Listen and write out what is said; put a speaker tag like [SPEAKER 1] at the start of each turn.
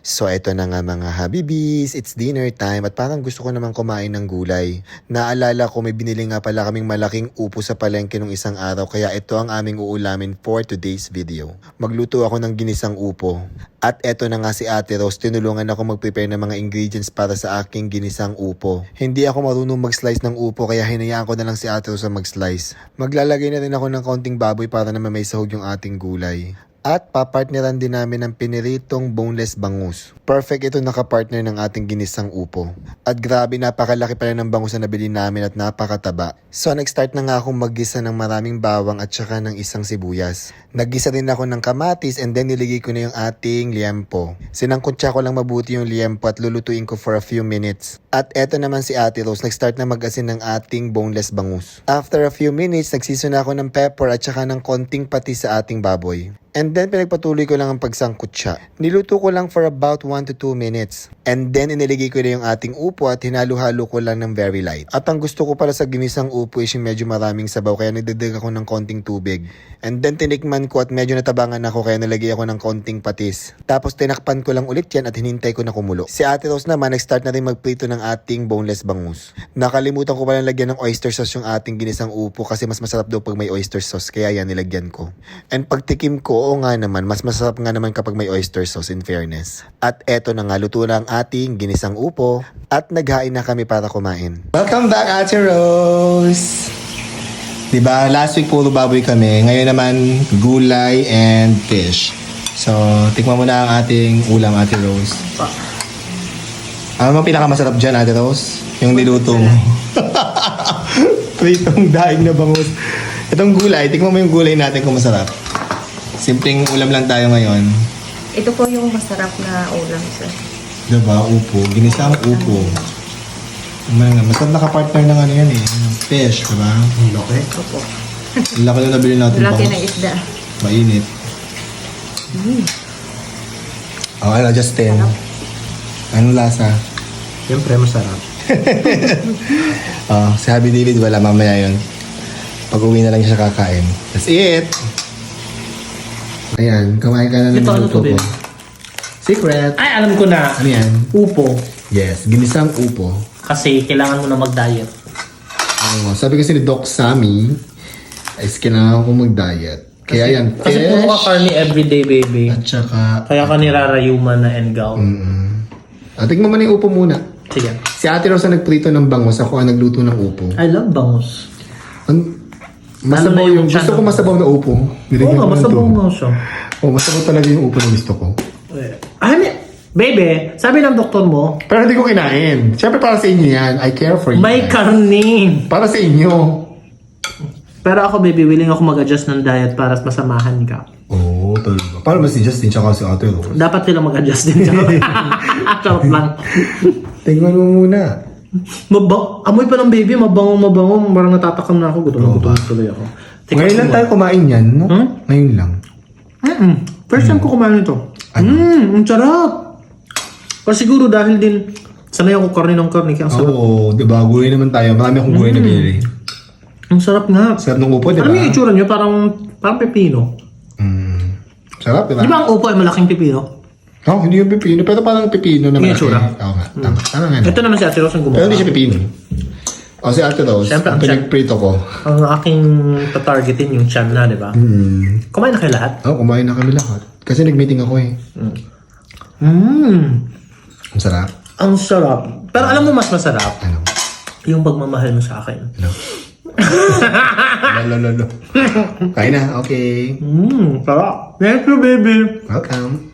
[SPEAKER 1] So eto na nga mga habibis, it's dinner time at parang gusto ko naman kumain ng gulay. Naalala ko may binili nga pala kaming malaking upo sa palengke nung isang araw kaya ito ang aming uulamin for today's video. Magluto ako ng ginisang upo. At eto na nga si Ate Rose, tinulungan ako mag-prepare ng mga ingredients para sa aking ginisang upo. Hindi ako marunong mag-slice ng upo kaya hinayaan ko na lang si Ate Rose na mag-slice. Maglalagay na rin ako ng konting baboy para naman may sahog yung ating gulay. At papartneran din namin ng piniritong boneless bangus. Perfect ito nakapartner ng ating ginisang upo. At grabe napakalaki pala ng bangus na nabili namin at napakataba. So nag-start na nga akong maggisa ng maraming bawang at saka ng isang sibuyas. Naggisa din ako ng kamatis and then niligay ko na yung ating liempo. Sinangkutsa ko lang mabuti yung liempo at lulutuin ko for a few minutes. At eto naman si Ate Rose, nag-start na mag-asin ng ating boneless bangus. After a few minutes, nagsiso na ako ng pepper at saka ng konting patis sa ating baboy. And then pinagpatuloy ko lang ang pagsangkot siya. Niluto ko lang for about 1 to 2 minutes. And then iniligay ko na yung ating upo at hinalo-halo ko lang ng very light. At ang gusto ko pala sa ginisang upo is yung medyo maraming sabaw kaya nagdadag ako ng konting tubig. And then tinikman ko at medyo natabangan ako kaya nalagay ako ng konting patis. Tapos tinakpan ko lang ulit yan at hinintay ko na kumulo. Si Ate Rose naman nag-start na rin magprito ng ating boneless bangus. Nakalimutan ko pala lagyan ng oyster sauce yung ating ginisang upo kasi mas masarap daw pag may oyster sauce kaya yan nilagyan ko. And pagtikim ko, oo nga naman, mas masarap nga naman kapag may oyster sauce in fairness. At eto na nga, luto na ang ating ginisang upo at naghain na kami para kumain.
[SPEAKER 2] Welcome back, Ate Rose! Diba, last week puro baboy kami. Ngayon naman, gulay and fish. So, tikman mo na ang ating ulam, Ate Rose. Ano ang pinakamasarap dyan, Ate Rose? Yung niluto mo. Pritong daing na bangus. Itong gulay, tikman mo yung gulay natin kung masarap. Simpleng ulam lang tayo ngayon.
[SPEAKER 3] Ito po yung masarap na ulam, sir.
[SPEAKER 2] Diba, upo. Ginisang upo. Masarap nakapartner ng ano yan eh. Ng fish, diba? Ang laki.
[SPEAKER 3] Opo.
[SPEAKER 2] Ang laki na nabili natin.
[SPEAKER 3] Laki
[SPEAKER 2] bangus.
[SPEAKER 3] ng isda.
[SPEAKER 2] Mainit. Okay, I'll just 10. Anong lasa?
[SPEAKER 4] Siyempre, masarap.
[SPEAKER 2] Si Happy David, wala mamaya yun. Pag-uwi na lang siya kakain. That's it! Ayan, kumain ka na ng
[SPEAKER 4] Ito, ano
[SPEAKER 2] minuto
[SPEAKER 4] to,
[SPEAKER 2] ko.
[SPEAKER 4] babe?
[SPEAKER 2] Secret!
[SPEAKER 4] Ay, alam ko na.
[SPEAKER 2] Ano yan?
[SPEAKER 4] Upo.
[SPEAKER 2] Yes, ginisang upo.
[SPEAKER 4] Kasi kailangan mo na mag-diet.
[SPEAKER 2] Sabi kasi ni Doc Sammy, is kailangan ko mag-diet. Kaya yan,
[SPEAKER 4] Kasi puro ka carne everyday, baby.
[SPEAKER 2] at saka...
[SPEAKER 4] Kaya ka nirarayuman na engaw.
[SPEAKER 2] Tignan mo na yung upo muna.
[SPEAKER 4] Sige.
[SPEAKER 2] Si Ate Rosa nagprito ng bangus, ako ang nagluto ng upo.
[SPEAKER 4] I love bangus.
[SPEAKER 2] Masabaw
[SPEAKER 4] Ano na
[SPEAKER 2] yung...
[SPEAKER 4] yung
[SPEAKER 2] Gusto ko
[SPEAKER 4] channel?
[SPEAKER 2] masabaw na upo.
[SPEAKER 4] Oo nga, masabaw nga siya.
[SPEAKER 2] Masabaw talaga yung upo na gusto ko.
[SPEAKER 4] Baby, sabi ng doktor mo,
[SPEAKER 2] Pero hindi ko kinain. Siyempre para sa inyo yan. I care for you.
[SPEAKER 4] may
[SPEAKER 2] guys.
[SPEAKER 4] karne.
[SPEAKER 2] Para sa inyo.
[SPEAKER 4] Pero ako, baby, willing ako mag-adjust ng diet para masamahan ka.
[SPEAKER 2] Oo, talaga. Paano ba si Justin tsaka si Ate Rose?
[SPEAKER 4] Dapat sila mag-adjust din. Charot lang.
[SPEAKER 2] Tingnan mo muna.
[SPEAKER 4] Amoy pa ng baby, mabango. Parang natatakam na ako. Gutom tuloy ako.
[SPEAKER 2] Ngayon lang tayo kumain yan, no? Ngayon lang.
[SPEAKER 4] First time ko kumain ito. Ang sarap. Pero siguro dahil din, sanay ako karne ng karne. Kaya ang sarap.
[SPEAKER 2] Oo, diba? Gulay naman tayo. Marami akong gulay na binili.
[SPEAKER 4] Ang sarap nga.
[SPEAKER 2] Sarap ng upo, diba?
[SPEAKER 4] Alam mo yung itsura nyo? Parang pepino.
[SPEAKER 2] Sarap, diba?
[SPEAKER 4] Di ba ang upo ay malaking pepino?
[SPEAKER 2] Oh, hindi yung pipino. Pero parang pipino naman.
[SPEAKER 4] Yung itsura.
[SPEAKER 2] Oo nga. Tama nga.
[SPEAKER 4] Ito naman si Ate Rose ang
[SPEAKER 2] Pero
[SPEAKER 4] gumawa.
[SPEAKER 2] hindi siya pipino. O si Ate Rose,
[SPEAKER 4] Siyempre,
[SPEAKER 2] ang pinagprito ko.
[SPEAKER 4] Ang aking tatargetin yung chan na, di ba? Kumain na kayo lahat?
[SPEAKER 2] Oh, kumain na kami lahat. Kasi nag-meeting ako eh. Ang sarap.
[SPEAKER 4] Ang sarap. Pero alam mo mas masarap?
[SPEAKER 2] Ano?
[SPEAKER 4] Yung pagmamahal mo sa akin.
[SPEAKER 2] Ano? Lalo. Kain na, okay.
[SPEAKER 4] Sarap. Thank you, baby.
[SPEAKER 2] Welcome.